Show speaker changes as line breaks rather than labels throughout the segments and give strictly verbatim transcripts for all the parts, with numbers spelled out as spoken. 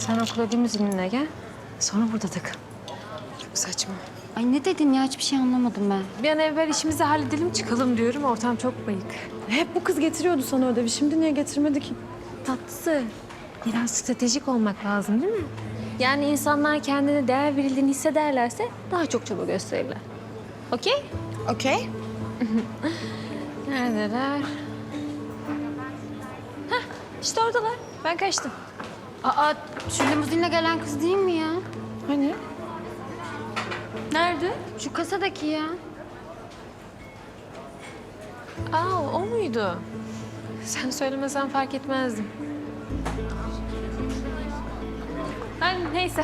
Sen okula limuzinle gel. Sonra burada takıl.
Çok saçma.
Ay ne dedin ya? Hiçbir şey anlamadım ben.
Bir an evvel işimizi halledelim çıkalım diyorum. Ortam çok bayık.
Hep bu kız getiriyordu sana ödevi. Şimdi niye getirmedi ki?
Tatlısı. Biraz stratejik olmak lazım değil mi? Yani insanlar kendine değer verildiğini hissederlerse daha çok çaba gösterirler. Okey?
Okey.
Neredeler? Hah, işte oradalar. Ben kaçtım.
Aa, şu limuzinle gelen kız değil mi ya?
Hani?
Nerede?
Şu kasadaki ya.
Aa, o muydu? Sen söylemesen fark etmezdim. Ha, neyse.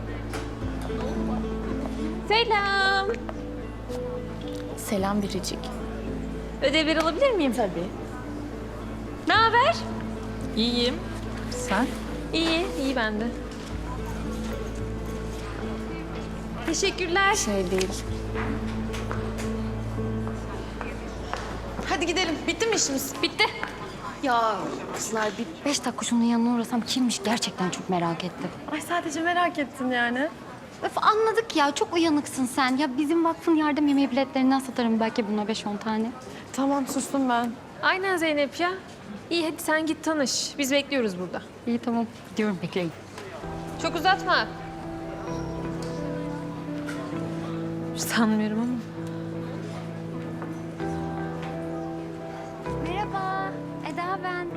Selam.
Selam Biricik.
Ödevleri alabilir miyim?
Tabii.
Ne haber?
İyiyim. Sen?
İyi, iyi ben de. Teşekkürler.
Şey değil. Hadi gidelim. Bitti mi işimiz?
Bitti.
Ya kızlar bir beş dakika şunun yanına uğrasam kimmiş gerçekten çok merak ettim.
Ay sadece merak ettin yani.
Öf anladık ya çok uyanıksın sen. Ya bizim vakfın yardım yemeği biletlerinden satarım belki buna beş on tane.
Tamam sustum ben.
Aynen Zeynep ya. İyi hadi sen git tanış. Biz bekliyoruz burada.
İyi tamam gidiyorum bekleyin.
Çok uzatma. Sanmıyorum ama.
Merhaba Eda ben.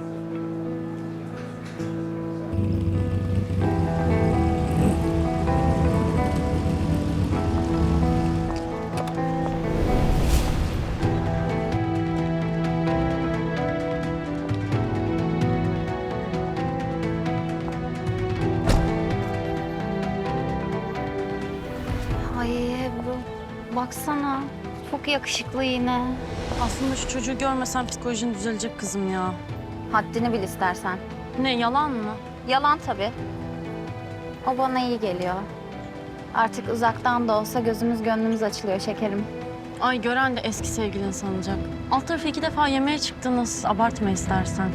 Ay Ebru baksana çok yakışıklı yine.
Aslında şu çocuğu görmesen psikolojin düzelecek kızım ya.
Haddini bil istersen.
Ne yalan mı?
Yalan tabii. O bana iyi geliyor. Artık uzaktan da olsa gözümüz gönlümüz açılıyor şekerim.
Ay gören de eski sevgilin sanacak. Alt tarafı iki defa yemeğe çıktınız. Abartma istersen.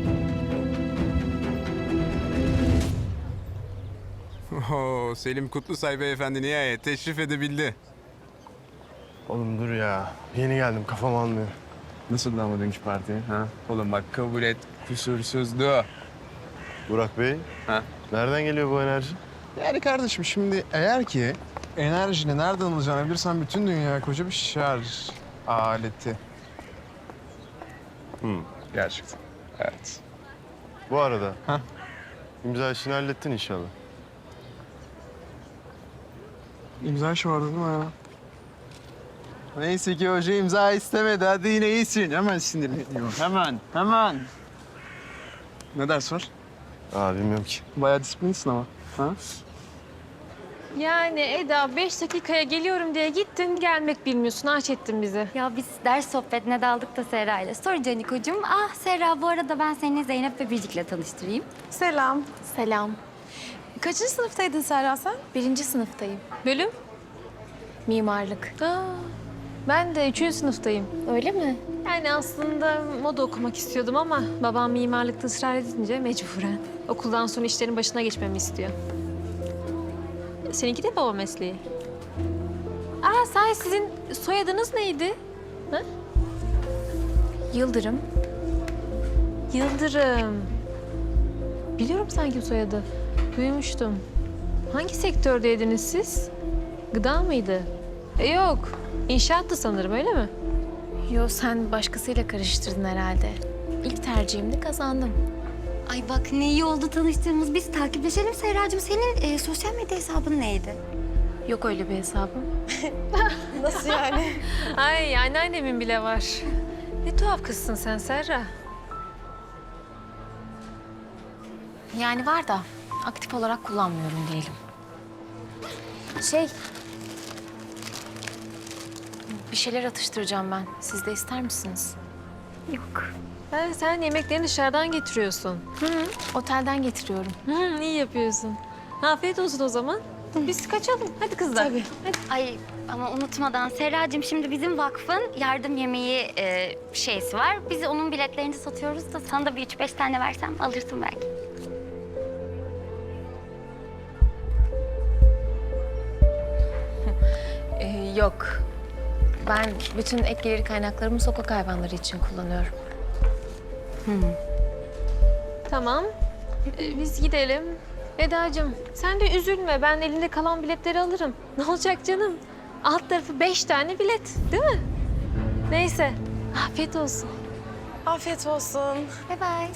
Oo, Selim Kutlusay beyefendi nihayet teşrif edebildi.
Oğlum dur ya. Yeni geldim kafam almıyor.
Nasıl ama dünkü parti? Ha? Oğlum bak kabul et kusursuzdu.
Burak Bey.
Ha?
Nereden geliyor bu enerji?
Yani kardeşim şimdi eğer ki enerjini nereden alacağını bilirsen bütün dünya koca bir şarj aleti.
Hı.
Gerçekten. Evet.
Bu arada.
Ha?
İmza işini hallettin inşallah.
İmza işi vardı değil mi ya? Neyse ki hoca imza istemedi. Hadi yine iyisin. Hemen sinirleniyor. Hemen, hemen. Ne ders var?
Aa bilmiyorum ki.
Bayağı disiplinsin ama. Ha?
Yani Eda beş dakikaya geliyorum diye gittin gelmek bilmiyorsun. Aç ettin bizi.
Ya biz ders sohbetine daldık da Serra ile. Sonra Canikocuğum. Ah Serra bu arada ben seni Zeynep ve Biricik'le tanıştırayım.
Selam. Selam. Kaçıncı sınıftaydın Serra sen?
Birinci sınıftayım. Bölüm? Mimarlık. Aa, ben de üçüncü sınıftayım.
Öyle mi?
Yani aslında moda okumak istiyordum ama babam mimarlıkta ısrar edince mecburen. Okuldan sonra işlerin başına geçmemi istiyor. Seninki de baba mesleği. Aa, sahi sizin soyadınız neydi? Ha?
Yıldırım.
Yıldırım. Biliyorum sanki bu soyadı. Duymuştum. Hangi sektördeydiniz siz? Gıda mıydı? E, yok. İnşaattı sanırım öyle mi?
Yo sen başkasıyla karıştırdın herhalde. İlk tercihimde kazandım.
Ay bak ne iyi oldu tanıştığımız. Biz takipleşelim Serracığım. Senin e, sosyal medya hesabın neydi?
Yok öyle bir hesabım. Nasıl yani?
Ay anneannemin bile var. Ne tuhaf kızsın sen Serra.
Yani var da aktif olarak kullanmıyorum diyelim. Şey... Bir şeyler atıştıracağım ben. Siz de ister misiniz?
Yok.
Ha, sen yemeklerini dışarıdan getiriyorsun.
Hı, otelden getiriyorum.
Hı, iyi yapıyorsun. Afiyet olsun o zaman. Biz kaçalım. Hadi kızlar.
Tabii.
Hadi.
Ay ama unutmadan Serracığım şimdi bizim vakfın yardım yemeği e, şeysi var. Biz onun biletlerini satıyoruz da sana da bir üç beş tane versem alırsın belki.
Yok. Ben bütün ek gelir kaynaklarımı sokak hayvanları için kullanıyorum.
Tamam. Ee, biz gidelim. Eda'cığım sen de üzülme. Ben elinde kalan biletleri alırım. Ne olacak canım? Alt tarafı beş tane bilet değil mi? Neyse. Afiyet olsun.
Afiyet olsun.
Bye bye.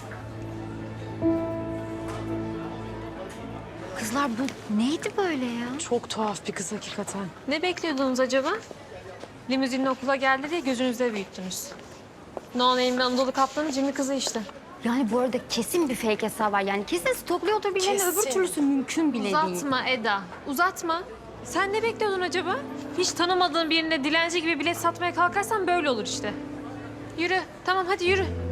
Kızlar bu neydi böyle ya?
Çok tuhaf bir kız hakikaten.
Ne bekliyordunuz acaba? Limuzinle okula geldi diye gözünüzde büyüttünüz. No Name'li Anadolu Kaplan'ın cimri kızı işte.
Yani bu arada kesin bir fake hesabı var. Yani kesin stokluyordur birilerini. Öbür
Kesin.
türlüsü mümkün bile değil.
Uzatma Eda, uzatma. Sen ne bekliyordun acaba? Hiç tanımadığın birine dilenci gibi bilet satmaya kalkarsan böyle olur işte. Yürü, tamam hadi yürü.